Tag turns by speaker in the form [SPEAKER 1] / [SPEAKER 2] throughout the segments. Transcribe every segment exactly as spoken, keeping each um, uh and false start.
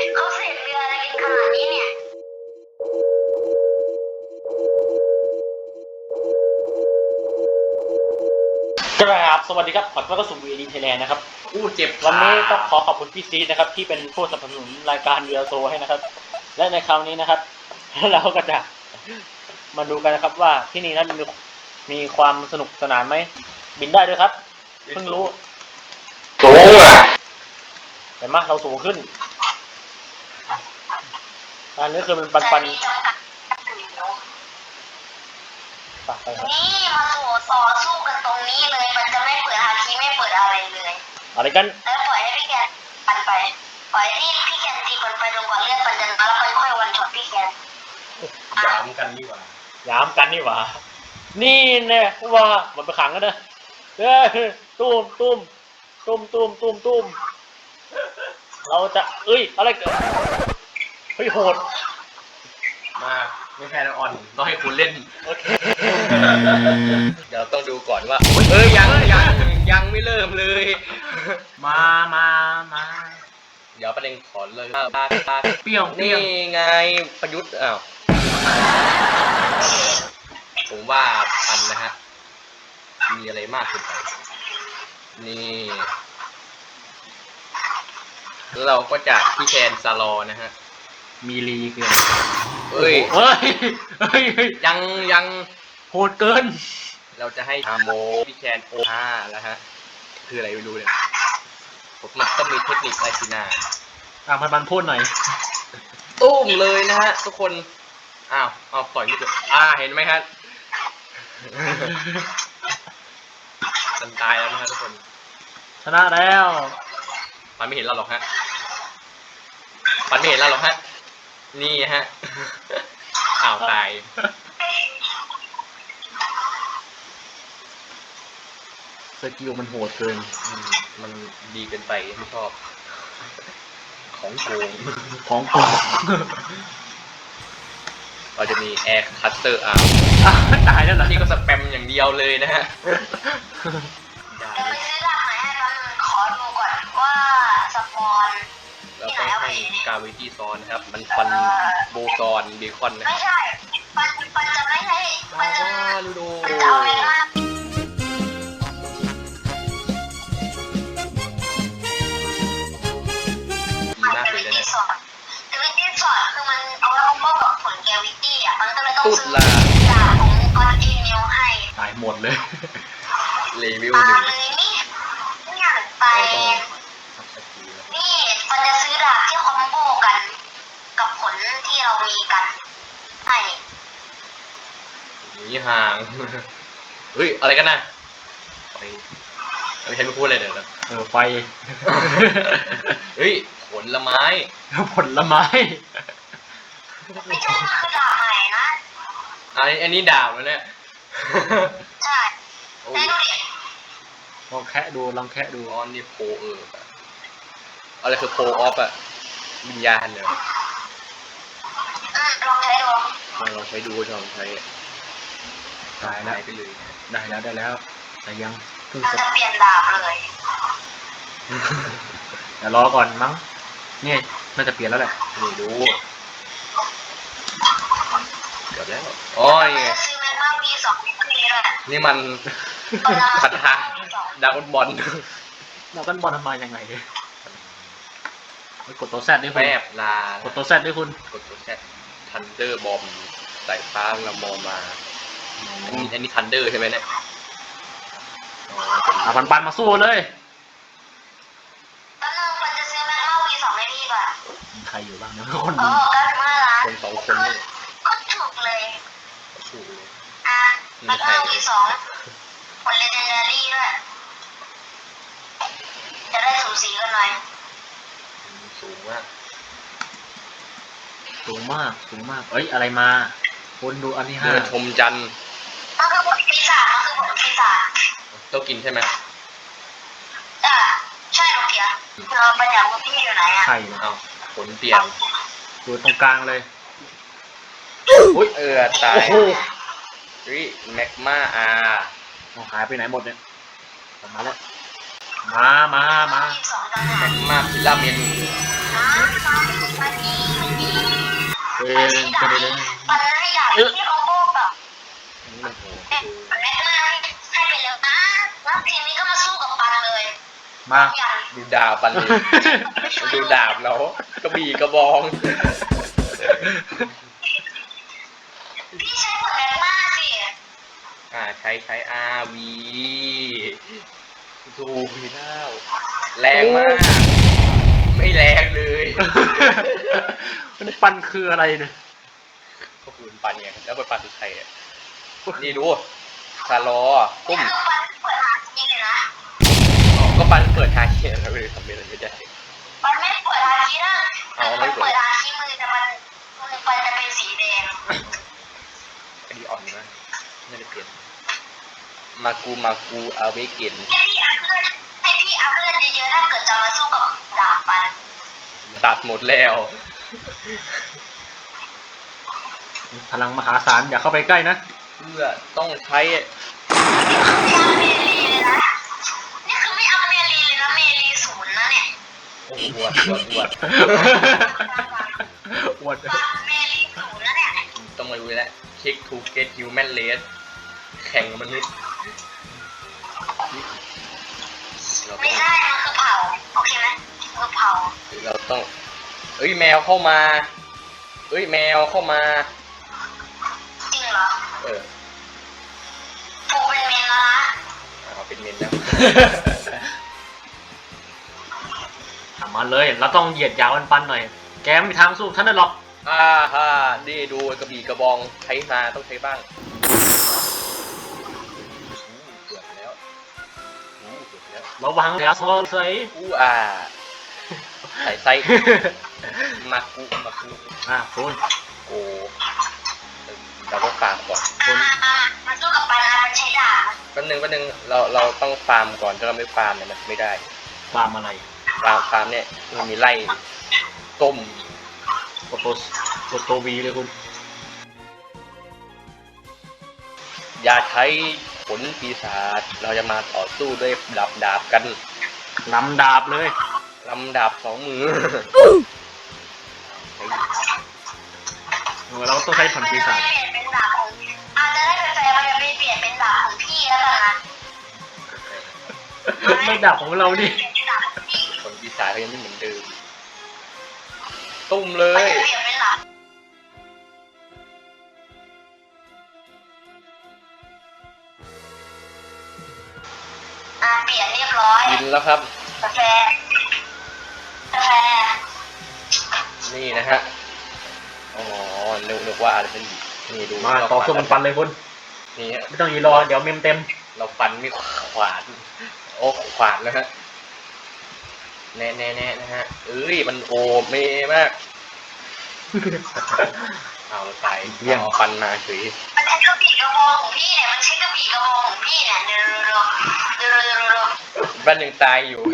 [SPEAKER 1] เขาเสกเรืออะไรกันขนาดนี้เนี่ย
[SPEAKER 2] กราบสวัสดีครับขอต้อนรับสู่วีดีไทยแลนด์นะครับ
[SPEAKER 3] อู้เจ็บ
[SPEAKER 2] วันนี้ต้องขอขอบคุณพี่ซีนะครับที่เป็นผู้สนับสนุนรายการเรือโซให้นะครับและในคราวนี้นะครับ เราก็จะมาดูกันนะครับว่าที่นี่นั้นมีมีความสนุกสนานไหมบินได้ด้วยครับเพิ่งรู้
[SPEAKER 3] สูงอ่ะ
[SPEAKER 2] เห็นไหมเราสูงขึ้นอันนี้คือมันปันปันปไปครับ
[SPEAKER 1] นี่มาสู่ต่อสู้กันตรงนี้เลยมันจะไม่เปิดฮาคีไม่เปิดอะไรเลย
[SPEAKER 2] อะไรกัน
[SPEAKER 1] แล้วปล่อยให้พี่แกนปันไปปล่อยที่พี่แกนตีปันไปจนกว่าเลือดปันจะมาแล้วค่อยๆวันช็อตพี่แกน
[SPEAKER 3] ย้ำกันนี่หว่า
[SPEAKER 2] ย้ำกันนี่หว่านี่แน่ว่ามันไปขังกันนะเฮ้ยตุ้มตุ้มตุ้มตุ้มตุ้มตุ้มเราจะเอ้ยอะไรเกิดเฮ้ยโหด
[SPEAKER 3] มาไม่แพ้แล้วอ่อนต้องให้คุณเล่น
[SPEAKER 2] โอเค
[SPEAKER 3] เดี๋ยวต้องดูก่อนว่าเอ้ยยังยังยังไม่เริ่มเลย
[SPEAKER 2] มามามา
[SPEAKER 3] เดี๋ยวประเด็นขอเลยปาปา
[SPEAKER 2] เปรี้ยว
[SPEAKER 3] นี่ไงประยุทธ์อ้าวผมว่าปันนะฮะมีอะไรมากขึ้นไปนี่แล้วเราก็จะพี่แคนซาลอนะฮะ
[SPEAKER 2] มีลีเกิน
[SPEAKER 3] เฮ้ย
[SPEAKER 2] เฮ้ยเฮ้ย
[SPEAKER 3] ยังยัง
[SPEAKER 2] โหดเกิน
[SPEAKER 3] เราจะให้อาโมพี่แคนโอห้าแล้วฮะคืออะไรไม่รู้เนี่ยผมมันต้องมีเทคนิคอะไรสินะ
[SPEAKER 2] อ่ะมันมันพูดหน่อย
[SPEAKER 3] ตุ้มเลยนะฮะทุกคนอ้าวเอาต่อยไม่ถูกอ่าเห็นไหมครับมันตายแล้วนะฮะทุกคน
[SPEAKER 2] ชนะแล้ว
[SPEAKER 3] มันไม่เห็นเราหรอกฮะมันไม่เห็นเราหรอกฮะนี่ฮะอ้าวตาย
[SPEAKER 2] สกิลมันโหดเกิน
[SPEAKER 3] มันดีเกินไปไม่ชอบของโกง
[SPEAKER 2] ของโกง
[SPEAKER 3] เราจะมีแอร์คัตเตอร์อาร์
[SPEAKER 2] ตายแล้วนะ
[SPEAKER 3] นี่ก็สแปมอย่างเดียวเลยนะฮะ
[SPEAKER 1] จะไปซื้อดาบไหนให้ตอนนึงขอดูก่อนว่าสปอน
[SPEAKER 3] เราต้องให้กาวิตี้ซอนนะครับมันฟันโบซอนเบคอนนะ
[SPEAKER 1] ไม่ใช่ปันปันจะไม่ให้ปันจะ
[SPEAKER 3] ลูโด
[SPEAKER 1] ปันจะเอาเวลา
[SPEAKER 3] ดีมากเลยนะเนี่ย
[SPEAKER 1] แกวิตี้สอดคือมันเอาไว้ป้องกับผลแกวิตี้อ่ะมันก็เลยต้องซื้อดาบของกอนอีเมลให้
[SPEAKER 2] ตายหมดเลย
[SPEAKER 3] เลเวลหนึ่ง
[SPEAKER 1] เลยนี่นี่อย่างไปนี่มันจะซื้อดาบที่คอมโบกันกับผลที่เรามีกันใช่
[SPEAKER 3] นี่ห่างเฮ้ยอะไรกันนะไปไม่ใช่ไม่พูดเลยเดี๋ยวนะ
[SPEAKER 2] เออไฟ
[SPEAKER 3] เฮ้ยผลไม้
[SPEAKER 2] ผลไม้
[SPEAKER 1] ไม่ใช่มันคือดาบใหม่นะ
[SPEAKER 3] อันนี้อันนี้ดาบแล้วเนี่ย
[SPEAKER 1] ใช่ได้ดูดิ
[SPEAKER 2] ลองแคะดูลองแคะดู
[SPEAKER 3] อ๋อนี่โพเอออะไรคือโพออฟอะวิญญาณเนี่ย
[SPEAKER 1] ลองใช้ดู
[SPEAKER 3] ลองใช้ดูลองใช้
[SPEAKER 2] ได้แล้ว
[SPEAKER 3] ไปเลย
[SPEAKER 2] ได้แล้วได้แล้วแต่ยัง
[SPEAKER 1] เพิ่งจะเปลี่ยนดาบเลย
[SPEAKER 2] เดี๋ยวรอก่อนมั้งนี่น่าจะเปลี่ยนแล้วแหละ
[SPEAKER 3] นี่ดูเดี๋ยวแล้วอ๋อนี่นี่มันคาถาดาวบอล
[SPEAKER 2] ดาวบอลทำไมยังไงเนี่ยกดตัวแซดด้วย
[SPEAKER 3] คุณแอบลาก
[SPEAKER 2] ดตัวแซดด้วยคุณ
[SPEAKER 3] กดตัวแซดทันเดอร์บอมสายฟ้าละมอมาอันนี้อันนี้ทันเดอร์ใช่ไหมเนี่ย
[SPEAKER 2] อ่ะปันปันมาสู้เลย
[SPEAKER 1] ตอนนึงมันจะซื้อแม็กมาวีสองให้พี่ก่อน
[SPEAKER 2] ใครอยู่บ้างนะคน
[SPEAKER 1] ดู
[SPEAKER 3] คนสองคนนี่
[SPEAKER 1] ก็ถูกเลย
[SPEAKER 3] ถูกเลย
[SPEAKER 1] อ่ะแม็กมาวีสองผลเลเจนดารี่ด้วยจะได้สูสีกันหน่อย
[SPEAKER 3] สูงมาก
[SPEAKER 2] สูงมากสูงมากเอ้ยอะไรมาคนดูอันที่ห้า
[SPEAKER 3] ชมจันทร์
[SPEAKER 1] มันคือผลปีศาจมันคือผลปีศาจ
[SPEAKER 3] ต้องกินใช่ไหม
[SPEAKER 1] อ่าใช่หรอเพียเราไปจากว่าพี่อยู่ไหนอ่ะ
[SPEAKER 2] ใช่
[SPEAKER 3] เอาผลเปลี่ยน
[SPEAKER 2] อยู่ตรงกลางเลย
[SPEAKER 3] อุ้ยเออตายวิแม็กมาอา
[SPEAKER 2] หายไปไหนหมดเนี่ยออกมาแล้วมามามา
[SPEAKER 1] ยี่สิบสองต่างหา
[SPEAKER 3] แม็
[SPEAKER 1] ก
[SPEAKER 3] กมาพิลาเมน
[SPEAKER 1] นะมาดีมาดี
[SPEAKER 2] เดิน
[SPEAKER 1] ปัน
[SPEAKER 2] เดินเดิน
[SPEAKER 1] ปันให้ดาบที่คอมโบแบบ
[SPEAKER 3] อันนี้มันโหด
[SPEAKER 1] แม่แม่มาให้ไปแล้วนะแล้วทีนี้ก็มาสู้กับปันเลย
[SPEAKER 2] มา
[SPEAKER 1] อย่าง
[SPEAKER 3] ดูดาบปันเลยดูดาบแล้วกระบี่กระบอง
[SPEAKER 1] พี่ใช้ผลแรงมากสิ
[SPEAKER 3] อ่าใช้ใช้อาวีดูพีน่าแรงมาก ไม่แรงเลย
[SPEAKER 2] มันปันคืออะไรเนี่ย
[SPEAKER 3] ก็คือปันไงแล้วไปปันคือใครอ่ะนี่ดูซาลอ
[SPEAKER 1] นี่
[SPEAKER 3] ตุ้ม
[SPEAKER 1] คือปันเปิดหาจริงเลยนะ
[SPEAKER 3] อ๋อก็ปันเปิดฮาเคียนแล้วเลยทำอะไรไม่ได้
[SPEAKER 1] ปันไม่เปิดหาคีนะ
[SPEAKER 3] เอาไม่
[SPEAKER 1] มัน
[SPEAKER 3] เปิด
[SPEAKER 1] เปิดหาคีมือแต่มันมือปันจะเป็นสีแดง
[SPEAKER 3] อันนี้อ่อนมากไม่ได้เปลี่ยนมากูมากูเอาไว้กิน
[SPEAKER 1] ให้พี่อัพเลือดให้พี่อัพเลือดเยอะๆถ้าเกิดจะมาสู้กับดาบปัน
[SPEAKER 3] ตัดหมดแล้ว
[SPEAKER 2] พลังมหาศาลอย่าเข้าไปใกล้นะ
[SPEAKER 3] เพื่อต้องใช้
[SPEAKER 1] ไม่อัพเมลีเลยนะนี่คือไม่อัพเมลีเลยนะเมลีศูนย์นะเนี่ย
[SPEAKER 3] โอ้โหอวดอวดอวด
[SPEAKER 2] อวด
[SPEAKER 1] ปันเมลีศูนย์นะเนี่ย
[SPEAKER 3] ต้องมาดูแล้วเช็คทูเกตฮิวแมนเลสแข่งมนุษย์เรา
[SPEAKER 1] ไม่
[SPEAKER 3] ต้อง
[SPEAKER 1] ใช่มันคือเผาโอเคไหมคือเผา
[SPEAKER 3] เราต้องเอ้ยแมวเข้ามาเอ้ยแมวเข้ามา
[SPEAKER 1] จริงเหรอ
[SPEAKER 3] เออ
[SPEAKER 1] ปูเป็นเมนแล้วนะ
[SPEAKER 3] เอาเป็นเมนแล้ว
[SPEAKER 2] ทำมาเลย เราต้องเหยียดยาวปันๆหน่อย แกไม่มีทางสู้ท่านได้หรอก
[SPEAKER 3] อ่าฮ่าดีดูกระบี่กระบองใช้มาต้องใช้บ้างอู้เกือบแล้วอู้เกือบแล้ว
[SPEAKER 2] ระวังเดี๋ยวโซ่ใส่
[SPEAKER 3] อู้อ่าใส่ไส้มากุมากุ
[SPEAKER 2] อ่ะคุณ
[SPEAKER 3] โอ้เราต้องฟาร์มก่อน
[SPEAKER 1] อ่ามันสู้กับปันนะมันใช้ดาบ
[SPEAKER 3] แป๊บนึงแป๊บนึงเราเราต้องฟาร์มก่อนถ้าเราไม่ฟาร์มเนี่ยมันไม่ได้
[SPEAKER 2] ฟาร์มอะไร
[SPEAKER 3] ฟาร์มฟาร์มเนี่ยมันมีไล่ต้ม
[SPEAKER 2] โปรโตสโปรโตวีเลยคุณ
[SPEAKER 3] อย่าใช้ผลปีศาจเราจะมาต่อสู้ด้วยดาบดาบกัน
[SPEAKER 2] นำดาบเลย
[SPEAKER 3] ลำดาบสองมือ
[SPEAKER 2] เออเราต้องใช้ผลปีศาจ
[SPEAKER 1] มันจะได้เปลี่ยนเป็นดาบของอาจจะได้เป็นแฟนมันจะไม่เปลี่ยนเป็นดาบของพี่แล้วกันนะ
[SPEAKER 2] ไม่ดาบของเราดิ
[SPEAKER 1] เปลี่ยนเป็นดาบของพี่
[SPEAKER 3] ผลปีศาจเขายังไม่เหมือนเดิมตุ้มเล
[SPEAKER 1] มัน
[SPEAKER 3] ย
[SPEAKER 1] จะเปลี่ยนเป็นดาบอ่าเปลี่ยนเรียบร้อย
[SPEAKER 3] กินแล้วครับ
[SPEAKER 1] กาแฟกาแฟ
[SPEAKER 3] นี่นะฮะอ๋อนึกนึกว่าอะไรเป็นนี่ดู
[SPEAKER 2] มาต่อสู้มันปันเลยคุณ
[SPEAKER 3] นี่ฮะ
[SPEAKER 2] ไม่ต้องยีรอเดี๋ยวเมมเต็ม
[SPEAKER 3] เราฟันไม่ขวานโอ้ขวานแล้วฮะแน่แน่แน่นะฮะเอ้ยมันโอเมมากเอาไปเรียงฟันมาเฉย
[SPEAKER 1] มันใช้กระบี่กระบองของพี่เนี่ยมันใช้กระบี่กระบองของพี่เนี่ยเดี๋ยวเดี๋ยวเดี๋ยวเดี๋ยวเดี๋ยว
[SPEAKER 3] บ้านยังตายอยู่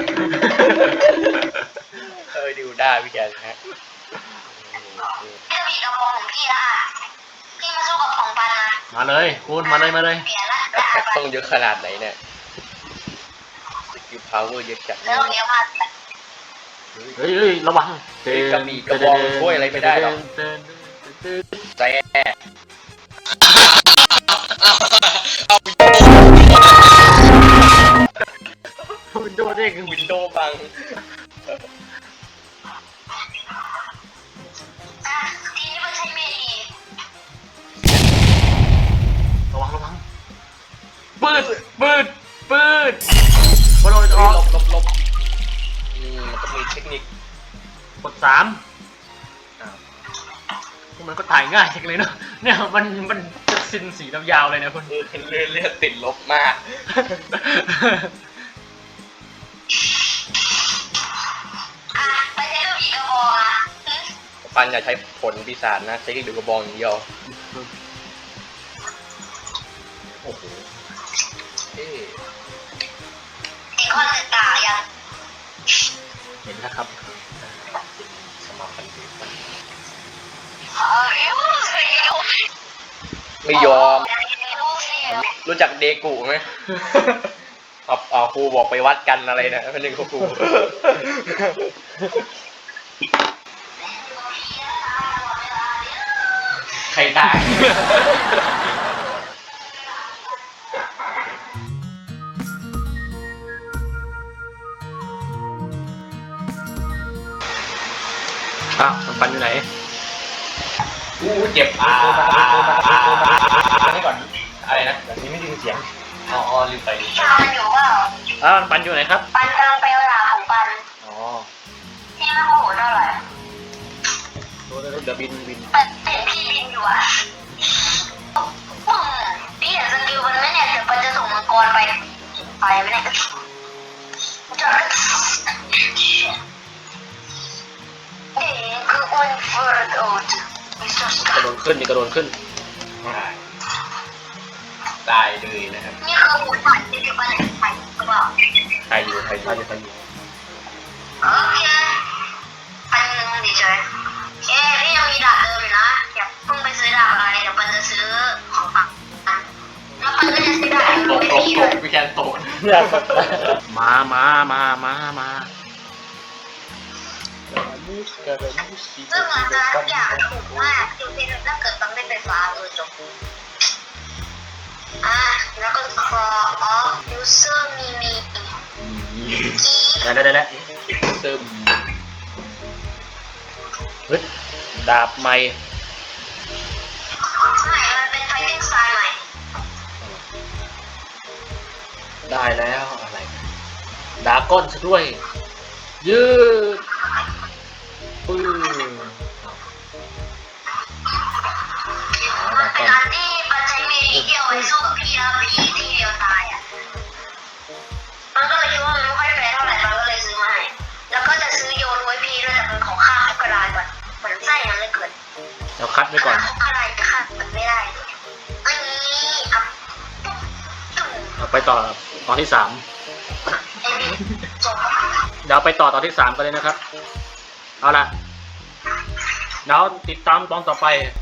[SPEAKER 3] เออดูได้พี่แกนะฮะ
[SPEAKER 1] กระบี่กระบองของพี่ละพี่มาสู้กับของปันนะ
[SPEAKER 2] มาเลยคุณมาเลยมาเลย
[SPEAKER 1] เปลี่ยนละ
[SPEAKER 3] แอคแท็กต้องเยอะขนาดไหนเนี่ยสกิลพาวเวอร์เยอะจัด
[SPEAKER 1] แล้วเดี๋ยวมา
[SPEAKER 2] เฮ้ยเฮ้ยระวัง
[SPEAKER 3] เฮ้ยกระบี่กระบองช่วยอะไรไม่ได้หรอกแซ่
[SPEAKER 2] วินโดว์เด้ง
[SPEAKER 3] วินโดว์บัง
[SPEAKER 1] อ่ะทีนี้มันใช้เมลี
[SPEAKER 2] ระวังระวังปืดปืดปืดบอลอ
[SPEAKER 3] เฮ้
[SPEAKER 2] อย ก
[SPEAKER 3] หลบหลบหลบนี่มันต้องมีเทคนิค
[SPEAKER 2] กดสาม
[SPEAKER 3] อ้าว
[SPEAKER 2] มันก็ถ่ายง่ายจังเลยเนาะเนี่ยมันมันจะซินสียาวๆเลยนะคุณ
[SPEAKER 3] เออเลือดเลือดติดลบมาก
[SPEAKER 1] อ่ะไปใช้กระบี่กระบองอ่ะอืม
[SPEAKER 3] ปันอย่าใช้ผลปีศาจนะใช้ดูกระบองอย่างเดียว
[SPEAKER 2] โอ้โห
[SPEAKER 3] เอ๊ะ
[SPEAKER 1] อีกข้อหนึ่งตายัง
[SPEAKER 2] เห็นนะครับ
[SPEAKER 3] สมาพันธ์ดีมาก
[SPEAKER 1] เฮ้ย
[SPEAKER 3] ไม่ยอม
[SPEAKER 1] เดี๋ยว
[SPEAKER 3] รู้จักเดกูไหมเอาเอาครูบอกไปวัดกันอะไรนะเป็นหนึ่งครู ใครได้
[SPEAKER 2] อ้าวปันอยู่ไหน
[SPEAKER 3] อู้เจ็บอ่า
[SPEAKER 2] อันนี้ก่อน
[SPEAKER 3] อะไรนะ
[SPEAKER 2] แบบนี้ไม่ได้ยินเสียง
[SPEAKER 3] อ๋ออ๋อลืมไปลืมไป
[SPEAKER 1] ชามันอยู่เปล่า
[SPEAKER 2] อ้าวปันอยู่ไหนครับ
[SPEAKER 1] ปันกำลังไปเอาหลาของปัน
[SPEAKER 2] อ๋อ
[SPEAKER 1] ที่ไม่โมโหเท่าไหร่
[SPEAKER 2] เดี๋ยวบินบิน
[SPEAKER 1] แต่เห็นพี่บินอยู่อ่ะอืมพี่เห็นสกิลมันไหมเนี่ยเดี๋ยวปันจะส่งมังกรไปไปไหมเนี่ยจอดเด็กคืออุนฟอร์ดโอดมิสเตอร์ส
[SPEAKER 2] ก
[SPEAKER 1] กา
[SPEAKER 2] ระโดดขึ้นนี่กระโดดขึ้น
[SPEAKER 3] ตายเลยนะครับ
[SPEAKER 1] นี่คือหมูสับที่จะปันไปหรือเปล่า
[SPEAKER 3] ใครอยู่ใครอ
[SPEAKER 2] ใคร
[SPEAKER 3] ยู่
[SPEAKER 2] จะใครอยู่
[SPEAKER 1] โอเคปันนึงดีเฉยเอ้พี่ยังมีดาบเดิมอยู่นะอย่าเพิ่งไปซื้อดาบอะไรเดี๋ยวปันจะซื้อของปันแล้วปันก็จะซื้อดาบ
[SPEAKER 3] ตก
[SPEAKER 1] ไม่
[SPEAKER 3] ตก
[SPEAKER 1] ดี
[SPEAKER 3] ต
[SPEAKER 1] เลย
[SPEAKER 3] กวิแคนตก
[SPEAKER 2] มามามามามา
[SPEAKER 1] ซึ่งมันจะทุกอย่างถูกมากดูสิถ้าเกิดปันไม่ไปฟ้าเออจบอ่ะแล้วก็ call off user มีมีกี
[SPEAKER 2] ได้ได้ได้ได้
[SPEAKER 3] ซึม
[SPEAKER 2] เฮ้ยดาบใหม่
[SPEAKER 1] ไม่มันเป็น fighting style ใหม่
[SPEAKER 2] ได้แล้วอะไรดาก้อนซะด้วย ยืดปื้อดา
[SPEAKER 1] เป็
[SPEAKER 2] ก้
[SPEAKER 1] น
[SPEAKER 2] อน
[SPEAKER 1] อันที่ปันใช้เมทีเดียวไว้สู้กับพี่แล้วพี่ทีเดียวตายอ่ะมันก็เลยคิดว่ามันไม่ค่อยแฟร์เท่าไหร่มันก็เลยซื้อมาให้แล้วก็จะซื้อโยนไว้พี่ด้วยแต่เป็นของข้าคุกกระดาษก่อนเหมือนไส้ยังเลยเกิน
[SPEAKER 2] เราคัดไว้ก่อน
[SPEAKER 1] คุกกระดาษข้ามันไม่ได้อันนี้อ่ะปุ๊บจุ่ม
[SPEAKER 2] เราไปต่อตอนที่สาม
[SPEAKER 1] ไอ้นี่จบ
[SPEAKER 2] เดี๋ยวไปต่อตอนที่สามกันเลยนะครับ เอาล่ะเดี๋ยวติดตามตอนต่อไป